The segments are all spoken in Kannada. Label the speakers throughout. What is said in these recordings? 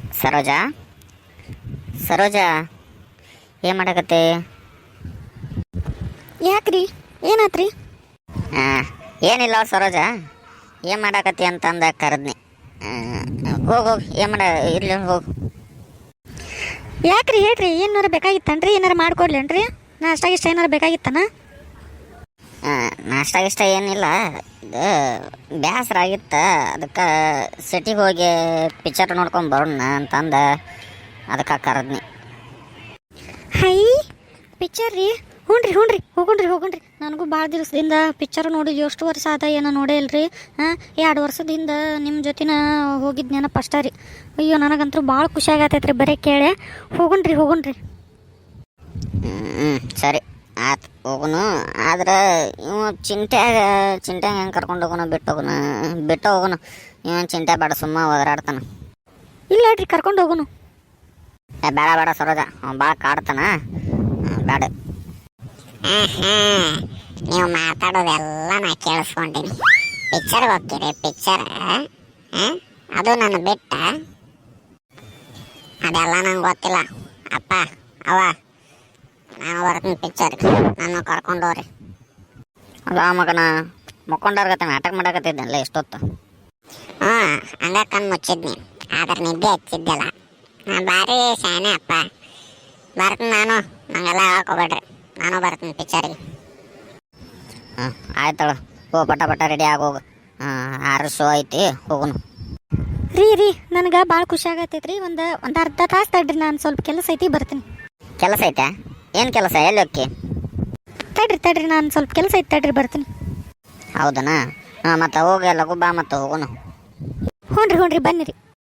Speaker 1: ಸರೋಜಾ ಸರೋಜಾ ಏನು ಮಾಡಕತ್ತೆ?
Speaker 2: ಯಾಕ್ರಿ ಏನಾತ್ರಿ?
Speaker 1: ಏನಿಲ್ಲ ಸರೋಜಾ, ಏನು ಮಾಡಕತ್ತಿ ಅಂತಂದ ಕರೆದ್ನಿ. ಹೋಗು ಏನು ಮಾಡ ಇರ್ಲಿ ಹೋಗು.
Speaker 2: ಯಾಕ್ರಿ ಹೇಳ್ರಿ, ಏನಾರ ಬೇಕಾಗಿತ್ತನ್ರಿ? ಏನಾರ ಮಾಡ್ಕೊಡ್ಲೇನ್ರಿ? ನಾಷ್ಟ ಗಿಷ್ಟ ಏನಾರ ಬೇಕಾಗಿತ್ತನ?
Speaker 1: ನಾಷ್ಟ ಗಿಷ್ಟ ಏನಿಲ್ಲ, ಇದು ಬೇಸರ ಆಗಿತ್ತ, ಅದಕ್ಕೆ ಸಿಟಿಗೆ ಹೋಗಿ ಪಿಕ್ಚರ್ ನೋಡ್ಕೊಂಡು ಬರೋಣ ಅಂತಂದ ಅದಕ್ಕೆ ಕರೆದ್ನಿ.
Speaker 2: ಹೈ ಪಿಕ್ಚರ್ ರೀ? ಹ್ಞೂ ರೀ ಹೋಗುಣ್ರಿ. ನನಗೂ ಭಾಳ ದಿವಸದಿಂದ ಪಿಕ್ಚರ್ ನೋಡಿದ್ವಿ. ಎಷ್ಟು ವರ್ಷ ಆದ ಏನೋ ನೋಡೇ ಇಲ್ರಿ. 2 ವರ್ಷದಿಂದ ನಿಮ್ಮ ಜೊತೆನ ಹೋಗಿದ್ದು ನೆನಪು ಅಷ್ಟೇ ರೀ. ಅಯ್ಯೋ ನನಗಂತೂ ಭಾಳ ಖುಷಿ ಆಗತ್ತೈತ್ರಿ ಬರೀ ಕೇಳೆ. ಹೋಗುಣ್ರಿ.
Speaker 1: ಸರಿ ಆಯ್ತು ಹೋಗುನು. ಆದ್ರೆ ಇವ ಚಿಂಟ್ಯಾಗ ಹೆಂಗೆ ಕರ್ಕೊಂಡು ಹೋಗೋಣ, ಬಿಟ್ಟು ಹೋಗೋಣ. ಇವ ಚಿಂಟೆ ಬೇಡ, ಸುಮ್ಮ ಒದರಾಡ್ತಾನ.
Speaker 2: ಇಲ್ಲ ರೀ, ಕರ್ಕೊಂಡು ಹೋಗೋನು.
Speaker 1: ಬೇಡ ಸರೋಜ, ಅವ್ನು ಭಾಳ ಕಾಡ್ತಾನ, ಬೇಡ.
Speaker 3: ನೀವು ಮಾತಾಡೋದೆಲ್ಲ ನಾ ಕೇಳಿಸ್ಕೊಂಡಿನಿ. ಪಿಕ್ಚರ್ಗೆ ಹೋಗ್ತೀರಿ? ಪಿಕ್ಚರ್ ಅದು ನನ್ನ ಬಿಟ್ಟ? ಅದೆಲ್ಲ ನಂಗೆ ಗೊತ್ತಿಲ್ಲ. ಅಪ್ಪ ಅವ್ವ, ನಾನು ಬರ್ತೀನಿ ಪಿಕ್ಚರ್ಗೆ, ನಾನು ಕರ್ಕೊಂಡೋರಿ.
Speaker 1: ಅಲ್ಲ ಮಗನ ಮಕ್ಕೊಂಡಾರ್ಗತ್ತೆ ನಾಟಕ ಮಾಡಕತ್ತಿದ್ದಲ್ಲ ಎಷ್ಟೊತ್ತು?
Speaker 3: ಹಂಗ ಕಣ್ಣು ಮುಚ್ಚಿದ್ನಿ, ಆದ್ರೆ ನಿದ್ದೆ ಹಚ್ಚಿದ್ದೆಲ್ಲ. ನಾನು ಭಾರಿ ಶಾನೆ ಅಪ್ಪ. ಬರ್ತೀನಿ ನಾನು, ನಂಗೆಲ್ಲ ಹಾಕೋಬೇಡ್ರಿ, ನಾನು ಬರ್ತೀನಿ ಪಿಕ್ಚರ್ಗೆ.
Speaker 1: ಆಯ್ತಳ, ಹೋ ಪಟ ರೆಡಿ ಆಗೋಗು. 6 ಶೋ ಐತಿ, ಹೋಗುನು.
Speaker 2: ರೀ ನನಗೆ ಭಾಳ ಖುಷಿ ಆಗತ್ತೈತ್ರಿ. ಒಂದು ಅರ್ಧ ತಾಸು ತಡ್ರಿ, ನಾನು ಸ್ವಲ್ಪ ಕೆಲಸ ಐತಿ, ಬರ್ತೀನಿ.
Speaker 1: ಕೆಲಸ ಐತೆ? ಏನು ಕೆಲಸ? ಎಲ್ಲಿ ಹೋಕ್ಕಿ?
Speaker 2: ತಡ್ರಿ ನಾನು ಸ್ವಲ್ಪ ಕೆಲಸ ಐತಿ, ತಡ್ರಿ ಬರ್ತೀನಿ.
Speaker 1: ಹೌದನಾ? ಮತ್ತೆ ಹೋಗಿ ಲಘು ಬಾ, ಮತ್ತೆ ಹೋಗುನು.
Speaker 2: ಹ್ಞೂ ರೀ ಬನ್ನಿರಿ.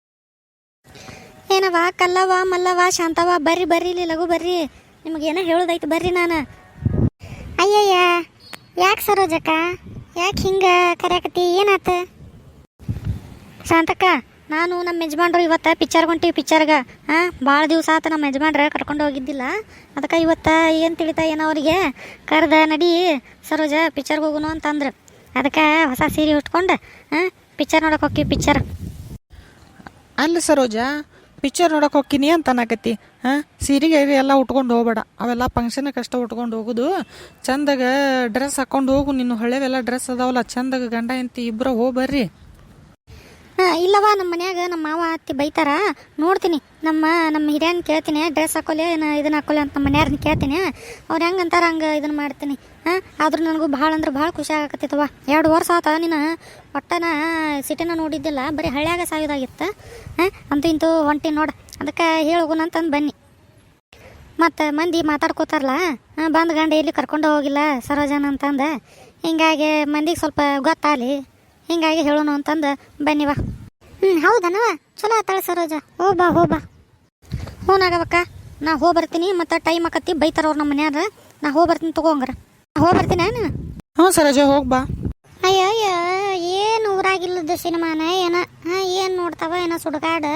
Speaker 2: ಏನವ ಕಲ್ಲವ ಮಲ್ಲವ ಶಾಂತವ, ಬರ್ರಿ ಇಲ್ಲಿ ಲಘು ಬರ್ರಿ. ನಿಮಗೇನೋ ಹೇಳೋದೈತಿ, ಬರ್ರಿ. ನಾನು ಅಯ್ಯಯ್ಯ, ಯಾಕೆ ಸರೋಜಕ್ಕ, ಯಾಕೆ ಹಿಂಗೆ ಕರ್ಯಾಕತ್ತಿ? ಏನಾತ? ಶಾಂತಕ್ಕ, ನಾನು ನಮ್ಮ ಯಜಮಾನ್ರು ಇವತ್ತು ಪಿಕ್ಚರ್ಗೆ ಹೊಂಟೀವಿ. ಪಿಕ್ಚರ್ಗೆ ಭಾಳ ದಿವಸ ಆತ ನಮ್ಮ ಯಜಮಾನ್ರೆ ಕರ್ಕೊಂಡು ಹೋಗಿದ್ದಿಲ್ಲ. ಅದಕ್ಕೆ ಇವತ್ತು ಏನು ತಿಳಿತಾ ಏನೋ ಅವರಿಗೆ ಕರೆದ, ನಡಿ ಸರೋಜ ಪಿಕ್ಚರ್ಗೆ ಹೋಗುನು ಅಂತಂದ್ರೆ, ಅದಕ್ಕೆ ಹೊಸ ಸೀರೆ ಉಟ್ಕೊಂಡು ಪಿಕ್ಚರ್ ನೋಡಕ್ಕೆ ಹೋಗ್ತೀವಿ. ಪಿಕ್ಚರ್
Speaker 4: ಅಲ್ಲ ಸರೋಜಾ, ಪಿಕ್ಚರ್ ನೋಡಕ್ಕೆ ಹೋಗ್ತೀನಿ ಅಂತ ಅನ್ನಕತ್ತಿ. ಸೀರೆಗೆ ಎಲ್ಲ ಉಟ್ಕೊಂಡು ಹೋಗ್ಬೇಡ, ಅವೆಲ್ಲ ಫಂಕ್ಷನ್ಗೆ ಅಷ್ಟ ಉಟ್ಕೊಂಡು ಹೋಗೋದು. ಚಂದಾಗ ಡ್ರೆಸ್ ಹಾಕ್ಕೊಂಡು ಹೋಗು. ನಿನ್ನ ಹಳೆವೆಲ್ಲ ಡ್ರೆಸ್ ಅದಾವಲ್ಲ, ಚಂದಾಗ ಗಂಡ ಹೆಂಡತಿ ಇಬ್ಬರು ಹೋಗ್ಬರ್ರಿ.
Speaker 2: ಇಲ್ಲವ, ನಮ್ಮ ಮನ್ಯಾಗ ನಮ್ಮ ಮಾವ ಅತ್ತಿ ಬೈತಾರ. ನೋಡ್ತೀನಿ, ನಮ್ಮ ಹಿರಿಯನ್ ಕೇಳ್ತೀನಿ, ಡ್ರೆಸ್ ಹಾಕೋಲೆ ಇದನ್ನ ಹಾಕೋಲೆ ಅಂತ ನಮ್ಮ ಮನೆಯವ್ರನ್ನ ಕೇಳ್ತೀನಿ. ಅವ್ರು ಹೆಂಗೆ ಅಂತಾರೆ ಹಂಗೆ ಇದನ್ನು ಮಾಡ್ತೀನಿ. ಆದ್ರೂ ನನಗೂ ಭಾಳ ಅಂದ್ರೆ ಭಾಳ ಖುಷಿ ಆಗಕತ್ತೈತವ. 2 ವರ್ಷ ಆತ ನೀನು ಒಟ್ಟನ ಸಿಟಿನ ನೋಡಿದ್ದಿಲ್ಲ, ಬರೀ ಹಳ್ಳ್ಯಾಗ ಸಾಯೋದಾಗಿತ್ತು. ಅಂತೂ ಇಂತೂ ಹೊಂಟಿ ನೋಡು, ಅದಕ್ಕೆ ಹೇಳೋಗುಣ ಅಂತಂದು ಬನ್ನಿ. ಮತ್ತು ಮಂದಿ ಮಾತಾಡ್ಕೋತಾರಲ್ಲ, ಬಂದು ಗಂಡ ಎಲ್ಲಿ ಕರ್ಕೊಂಡು ಹೋಗಿಲ್ಲ ಸರೋಜನ ಅಂತಂದು, ಹಿಂಗಾಗಿ ಮಂದಿಗೆ ಸ್ವಲ್ಪ ಗೊತ್ತಾಗಲಿ, ಹಿಂಗಾಗಿ ಹೇಳೋಣ ಅಂತಂದು ಬನ್ನಿವ. ಹೌದನವ, ಚಲೋ ಆತಾಳ ಸರೋಜ. ಹೋಗ್ಬಾ. ಹ್ಞೂನಾಗವಕ್ಕ, ನಾ ಬರ್ತೀನಿ. ಮತ್ತು ಟೈಮ್ ಆಕತ್ತಿ, ಬೈತಾರ ಅವ್ರು ನಮ್ಮ ಮನ್ಯಾರ. ನಾ ಬರ್ತೀನಿ, ತಗೋಂಗ್ರ. ಬರ್ತೀನಿ ನೀನು.
Speaker 4: ಹ್ಞೂ ಸರೋಜ, ಹೋಗ್ಬಾ.
Speaker 2: ಅಯ್ಯ ಏನು ಊರಾಗಿಲ್ಲದ ಸಿನಿಮಾನ ಏನ? ಏನು ನೋಡ್ತಾವ ಏನೋ ಸುಡುಗಾಡು.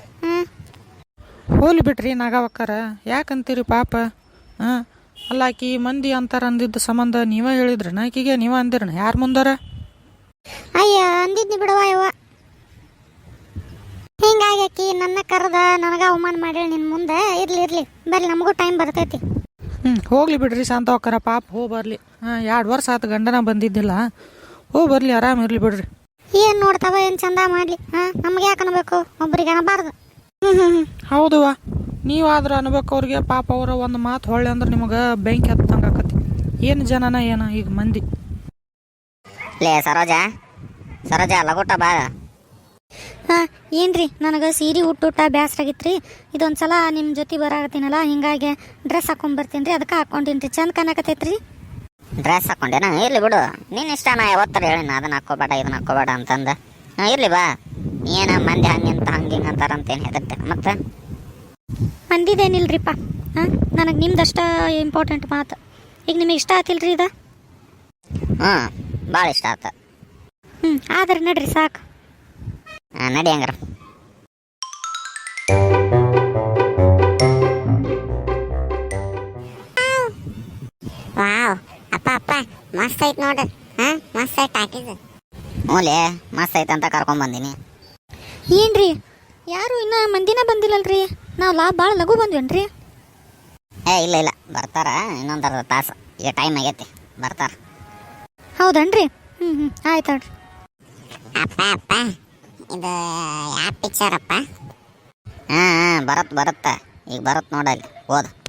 Speaker 4: ಹೋಲಿ ಬಿಡ್ರಿ ನಾಗವಕ್ಕಾರ, ಯಾಕಂತೀರಿ ಪಾಪ. ಅಲ್ಲ, ಆಕಿ ಮಂದಿ ಅಂತಾರ ಅಂದಿದ್ದ ಸಂಬಂಧ ನೀವೇ ಹೇಳಿದ್ರನ ಆಕಿಗೆ? ನೀವೇ ಅಂದಿರನ? ಯಾರು ಮುಂದಾರ?
Speaker 2: ಅಯ್ಯ ಅಂದಿದ್ನಿ ಬಿಡವ ಯವ್ವ. ಹಿಂಗಾಗಿ ಆಕಿ ನನ್ನ ಕರೆದ ನನಗ ಅವಮಾನ ಮಾಡೇಳಿ ನಿನ್ನ ಮುಂದೆ. ಇರ್ಲಿ ಬರ್ಲಿ, ನಮಗೂ ಟೈಮ್ ಬರ್ತೈತಿ.
Speaker 4: ಹೋಗ್ಲಿ ಬಿಡ್ರಿ ಶಾಂತವಕ್ಕಾರ, ಪಾಪ ಬರ್ಲಿ. 2 ವರ್ಷ ಆತು ಗಂಡನ ಬಂದಿದ್ದಿಲ್ಲ, ಬರ್ಲಿ, ಆರಾಮ್ ಇರ್ಲಿ ಬಿಡ್ರಿ.
Speaker 2: ಏನು ನೋಡ್ತಾವ, ಏನು ಚಂದ ಮಾಡಲಿ. ನಮ್ಗೆ ಯಾಕೆ ಅನ್ಬೇಕು, ಒಬ್ರಿಗೆ ಅನ್ನಬಾರ್ದು.
Speaker 4: ಹೌದುವ, ನೀವಾದ್ರೂ ಅನ್ಬೇಕು ಅವ್ರಿಗೆ. ಪಾಪ ಅವರ ಒಂದು ಮಾತು ಹೊಳ್ಳೆ ಅಂದ್ರೆ ನಿಮಗೆ ಬೆಂಕಿ ಹತ್ತಂಗೆ ಆಕತಿ. ಏನು ಜನನ ಏನ ಈಗ ಮಂದಿ.
Speaker 1: ಲೇ ಸರೋಜಾ ಲಗೋಟ ಬಾ.
Speaker 2: ಏನ್ರಿ, ನನಗೆ ಸೀರೆ ಉಟ್ಟುಟ ಬ್ಯಾಸ್ರಾಗಿತ್ರಿ. ಇದೊಂದು ಸಲ ನಿಮ್ಮ ಜೊತೆ ಬರಾಕತ್ತೀನಲ್ಲ, ಹಿಂಗಾಗಿ ಡ್ರೆಸ್ ಹಾಕೊಂಡ್ಬರ್ತೀನಿ ರೀ. ಅದಕ್ಕೆ ಹಾಕ್ಕೊಂಡೀನಿ ರೀ, ಚಂದ ಕಾಣಕತ್ತೈತ್ರಿ.
Speaker 1: ಡ್ರೆಸ್ ಹಾಕ್ಕೊಂಡೇನ? ಇರ್ಲಿ ಬಿಡು, ನಿನ್ನ ಇಷ್ಟ. ನಾ ಯಾವತ್ತರ ಹೇಳಿನ ಅದನ್ನ ಹಾಕ್ಕೋಬೇಡ ಇದನ್ನ ಹಾಕ್ಕೋಬೇಡ ಅಂತಂದು. ಇರ್ಲಿ ಬಾ. ಏನು ಮಂದಿ ಹಂಗಿಂತ ಹಿಂಗೆ ಅಂತಾರಂತೇನು ಹೆದರ್ತೆ ಮತ್ತೆ?
Speaker 2: ಮಂದಿದೇನಿಲ್ರಿಪ್ಪ. ನನಗೆ ನಿಮ್ದಷ್ಟ ಇಂಪಾರ್ಟೆಂಟ್ ಮಾತು. ಈಗ ನಿಮಗೆ ಇಷ್ಟ ಆತಿಲ್ರಿ ಇದು?
Speaker 1: ಭಾಳ ಇಷ್ಟ ಆತ.
Speaker 2: ಆದ್ರೆ ನಡ್ರಿ ಸಾಕು.
Speaker 1: ನಡಿ ಹಂಗಾರ.
Speaker 3: ವಾವ್ ಅಪ್ಪ ಮಸ್ತ್ ಐತ್ ನೋಡ್ರಿ. ಮಸ್ತ್ ಐತ್ ಹಾಕಿದ್.
Speaker 1: ಹ್ಞೂಲೇ, ಮಸ್ತ್ ಐತೆ ಅಂತ ಕರ್ಕೊಂಡ್ ಬಂದೀನಿ.
Speaker 2: ಏನ್ರಿ ಯಾರು ಇನ್ನೂ ಮಂದಿನ ಬಂದಿಲ್ಲಲ್ರಿ ನಾವು ಭಾಳ ಲಘು ಬಂದ್ವೇನ್ರಿ?
Speaker 1: ಇಲ್ಲ ಇಲ್ಲ ಬರ್ತಾರ, ಇನ್ನೊಂದು ಅರ್ಧ ತಾಸು, ಈಗ ಟೈಮ್ ಆಗೈತಿ, ಬರ್ತಾರ.
Speaker 2: ಹೌದನ್ರಿ? ಹ್ಞೂ ಆಯ್ತು ಹೇಳ್ರಿ.
Speaker 3: ಅಪ್ಪ ಅಪ್ಪ ಇದು ಯಾವ ಪಿಕ್ಚರ್ ಅಪ್ಪ?
Speaker 1: ಹಾಂ ಬರತ್ತೆ ಈಗ ಬರತ್ತೆ ನೋಡಲ್ಲಿ ಓದು.